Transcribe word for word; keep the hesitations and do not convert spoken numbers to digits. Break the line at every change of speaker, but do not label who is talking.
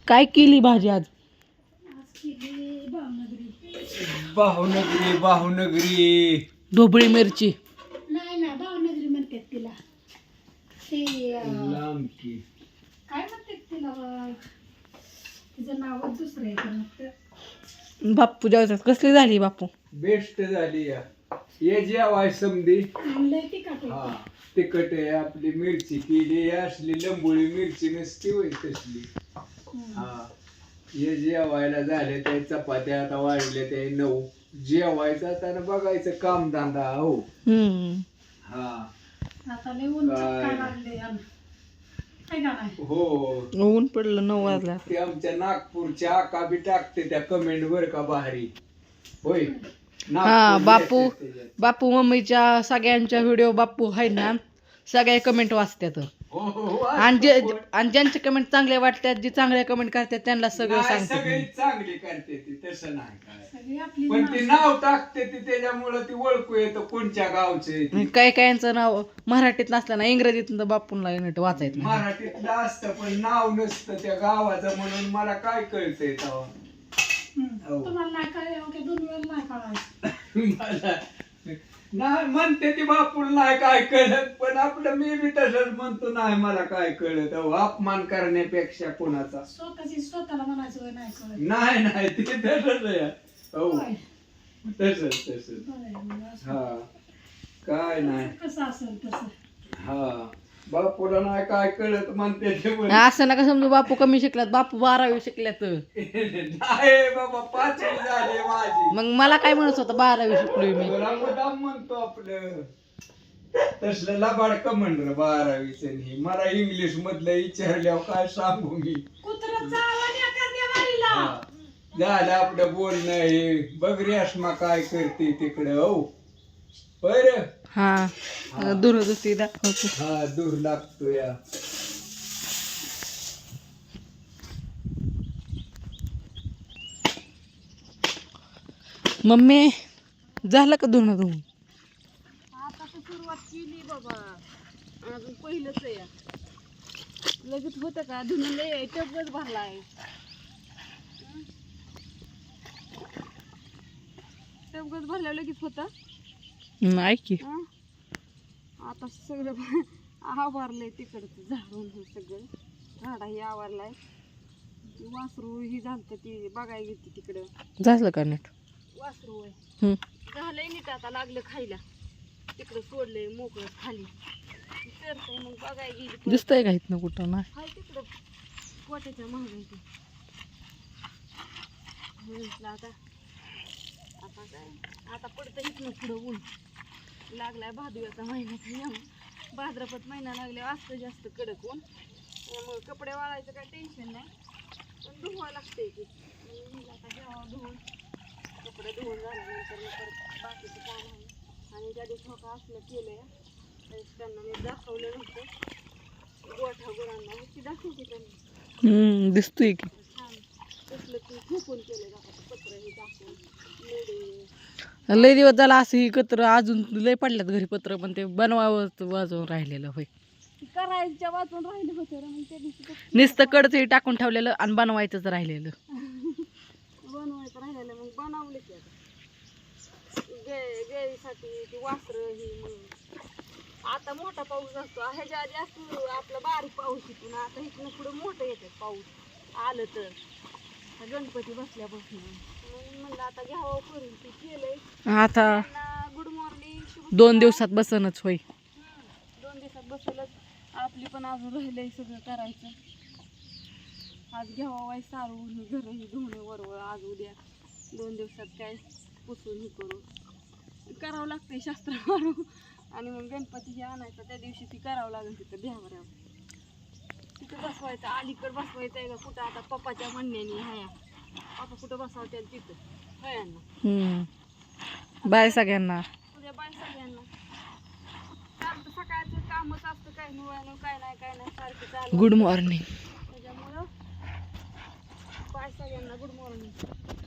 काय केली भाजी आज?
बाहुनगरी बाहुनगरी
ढोबळी मिरची.
नाही ना भावनगरी म्हणतात तिला. ते
लांब की
काय म्हणतात तिला बा? तिचं नावच दुसरं आहे पण मग
बाप्पू जेवतात. कसली झाली बापू?
बेस्ट झाली या ये जेवाय समधी.
लय तिखट
हा
आहे.
तिखट आहे आपली मिरची केली असली लंबोळी मिरची नसती होय तसली. हा ये जेवायला झाले ते चपात्या आता वाढले ते नऊ. जेवायचं आता बघायचं काम धंदा हो.
हम्म.
हा
आता लय ऊन
काय?
चटका लागले आणि काय का नाही.
हो
ऊन पडलं नऊ वाजला.
ते आमच्या नागपूरच्या आका बी टाकते त्या कमेंट वर का भारी होय.
हा
नागपूर
बापू
येते त्याच्यात.
बापू मम्मीच्या सगळ्यांच्या व्हिडिओ बापू आहे ना सगळे कमेंट वाचतात.
हो, हो, हो,
आणि जे
असं कोण-
आणि ज्यांचे कमेंट चांगले वाटतात जे चांगले कमेंट करतात त्यांना सगळं
नाही,
सांगतात.
सगळी चांगली करते ती तसं नाही काय.
सगळी आपली
पण ती नाव टाकते ती त्याच्यामुळं ती ओळखू येतं कोणच्या गावचे
काही काहींचं नाव मराठीत नसलं ना इंग्रजीत बापूंला नीट वाचायचं नाही.
मराठीतलं असतं पण नाव नसतं त्या गावाचं म्हणून मला काय कळतंय तेव्हा. हो.
तुम्हाला नाही कळलं की दोन वेळ नाही कळायचं.
मला नाही म्हणते ती बापूला नाही काय कळत पण आपलं मी बी तसंच म्हणतो नाही मला काय कळत अहो, अपमान करण्यापेक्षा कोणाचा
स्वतःची स्वतःला म्हणायचं होय नाही कळत.
नाही नाही ते तसंच आहे हो
होय.
तसंच तसंच
बरं आहे मग असं.
हा काय नाही
कसं असेल तसं.
हा बापूला नाही काय कळत म्हणते ते पण.
असं नका समजू बापू कमी शिकलात. बापू बारावी शिकल्यात.
नाही बाबा पाचवी झाली माझी.
मग मला काय म्हणत होतं बारावी शिकलोय मी.
तुला मुद्दाम म्हणतो आपलं तसलं लबाड का म्हणलं बारावीच नाही मला इंग्लिश मधलं विचारल्यावर काय सांगू मी.
कुत्रं चावलं एखाद्या बारीला.
हा. झालं आपलं बोलणं हे बघ रेश्मा काय करते तिकडं हो बर.
हा दूरदृष्टी दाखवतो.
हा दूर लागतो या.
मम्मी झालं का धुणं धुवून?
आता तर सुरुवात केली बाबा अजून पहिलंच आहे. लगेच होतं का धुणं लय टपच भरलाय. टपच भरल्यावर लगेच होतं.
नाही की
हं? आता सगळं आवारलंय तिकडचं झाडून हे सगळं झाडाही आवारलाय. ती वासरू ही झालतं ती बघायला गेली तिकडं.
झालं का नीट?
वासरू आहे
हम्म.
झालंय नीट आता लागलं खायला. तिकडं सोडलंय मोकळं खाली चरतंय मग बघायला गेली परत.
दिसतंय का इथनं कुठं? नाही.
हाय तिकडं पोट्याच्या महागाई ते म्हटलं आता आता काय आता पडतं इथनं पुढं ऊन लागलाय. भादव्याचा महिना त्यामुळं भाद्रपद महिना लागल्यावर असतं जास्त कडक ऊन त्यामुळं कपडे वाळायचं काय टेन्शन नाही पण धुवावं लागतंय की. म्हणून आता जेव्हा धुवून कपडे धुवून झाल्यानंतर मग परत बाकीचं काम आहे. आणि त्या दिवशी का असलं केलंय त्यावेळेस त्यांना मी दाखवलं नव्हतं गोठा गुरांना ती दाखवते त्यांनी
हम्म दिसतोय की.
छान तसलं की खूपून केलं जातं पत्र हे टाकून मेडे.
लय दिवस झाला असं ही कत्र अजून लय पडल्यात घरी पत्र पण ते बनवावं वाजवून राहिलेलं होय.
ती करायच्या वाचून राहिले होते मग त्या दिवशी ते
नुसतं कडचं टाकून ठेवलेलं आणि बनवायचंच राहिलेलं.
बनवायचं राहिलेलं मग बनवलं की आता गे गेळीसाठी ती वासरं ही मग आता मोठा पाऊस असतो. ह्याच्या आधी असतो आपला बारीक पाऊस येतो ना. आता इथनं पुढं मोठं येतात पाऊस आलं तर गणपती बसल्यापासून म्हणून म्हणलं आता घ्यावं करून ते केलंय.
आता
गुड मॉर्निंग.
दोन दिवसात बसनच होय.
दोन दिवसात बसवलंच. आपली पण अजून राहिलंय सगळं करायचं. आज घ्यावा वाय सारून घरही धुणं वरवळ आज उद्या दोन दिवसात काय पुसून हे करू करावं लागतंय शास्त्र मारू. आणि मग गणपती हे आणायचा त्या दिवशी ती करावं लागेल तिथं द्यावर तिथं बसवायचं. अलीकडं बसवायचं आहे का कुठं आता पप्पाच्या म्हणण्याने हाया पप्पा कुठं बसवत्याल तिथं हयांना.
हम्म बाय सगळ्यांना.
उद्या बाय सगळ्यांना. चालतं सकाळचं कामच असतं काय नाही काय नाही काय नाही सारखं चालू.
Good morning.
त्याच्यामुळं बाय सगळ्यांना गुड मॉर्निंग.